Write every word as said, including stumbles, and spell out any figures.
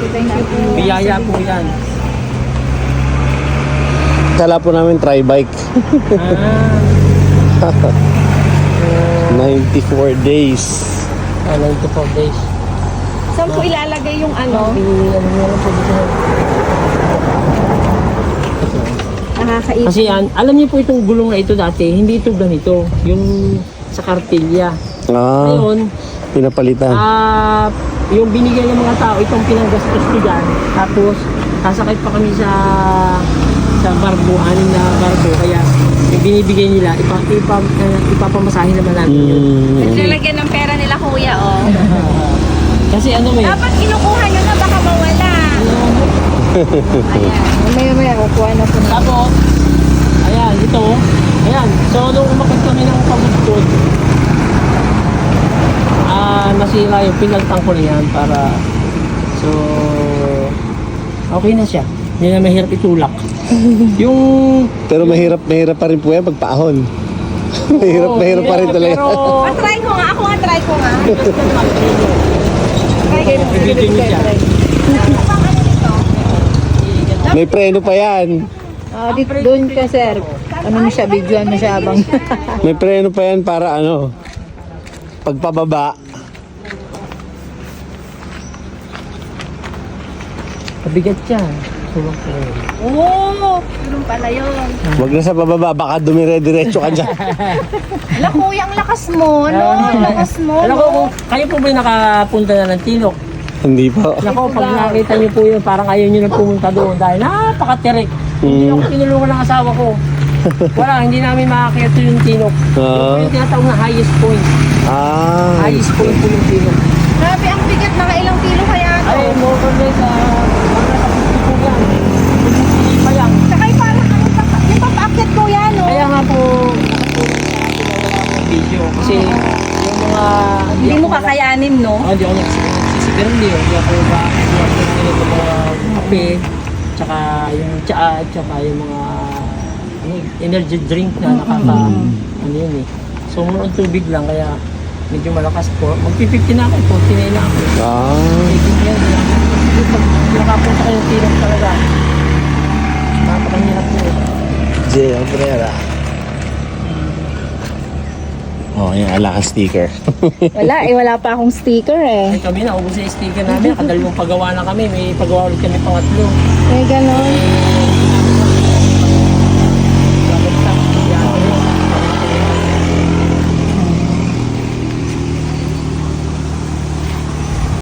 Thank you po. Biyaya po yan. Kala po namin tri-bike. Ah. ninety-four days. Ah, ninety-four days. Saan po ilalagay yung ano? Ano meron po dito? Nakakaipon. Kasi yan, alam niyo po itong gulong na ito dati, hindi ito ganito. Yung sa kartilya. Ah, Ngayon, pinapalitan. ah, yung binigay ng mga tao, itong pinanggastos ko dyan. Tapos, sasakay pa kami sa sa barbo, anin na barbo. Kaya, yung binibigay nila, ipa, ipa, uh, ipapamasahin naman namin yun. Mm. Naglalagyan ng pera nila kuya, oh. Kasi ano mo yun? Dapat kinukuha nyo na, baka mawala. Ayan. Maya maya, kukuha na po na. Tapos, ayan, ito. Ayan, so nung umakit kami ng pagudtod, ah, nasira yung pinaltang ko na yan para, so, okay na siya. Hindi na mahirap itulak. Yung, Pero mahirap, mahirap pa rin po yan pagpaahon. mahirap, Oo, mahirap pa rin talaga. Pero, Ah, try ko nga. Ako nga, try ko nga. okay, video niyo siya. Ano bang ano nito? May preno pa yan. Ah, dito doon ka, sir. Ano mo siya, videoan mo siya abang. May preno pa yan para ano, pagpababa. Pabigat siya. Tulak ko rin. Oo, yun pala yun. Huwag na sa pababa, baka dumire-diretso ka dyan. Ala, kuya, ang lakas mo, no? Ang lakas mo, Alam ko, no? kung kayo po ba yung nakapunta na ng Tinok? Hindi po. Nako, pag nakita niyo po yun, parang ayaw niyo na pumunta doon dahil napakatirik. Hindi Mm. ako tinulungan ng asawa ko. Wala, hindi namin makakita yung Tinok. Yung Ah. po yung tinatawag na highest point. Ah, Highest point po yung Tinok. Grabe, ang bigat, mga ilang kilo kaya to. Ay, more or less, ah, mga fifty po yan. fifty pa yan. Saka yung parang ano, pa- yung papaakyat ko yan, no? Kaya nga po, nakatulong sa akin na wala akong video. Kasi yung mga... Hindi mo ako- kakayanin, no? Oh, hindi ako nagsisigarilyo. Hindi ako ba, hindi ako nagsigarilyo ng mga kape, tsaka yung tsaa, tsaka yung mga ano, energy drink na nakaka, ano yun eh. So, muna tubig lang, kaya medyo malakas po. Magpi-fifty na ako, forty na lang ako. ah. Tigil na yun. Kasi pag nakapunta kayo ng tirap talaga, napakahirap po eh. J. Obrera. Oh, yan, ala ka sticker. Wala, eh, wala pa akong sticker, eh. Ay, kami na, ubos sa sticker namin, kadalawang pagawa na kami, may pagawa ulit kami pangatlo. Eh, ganon. Eh,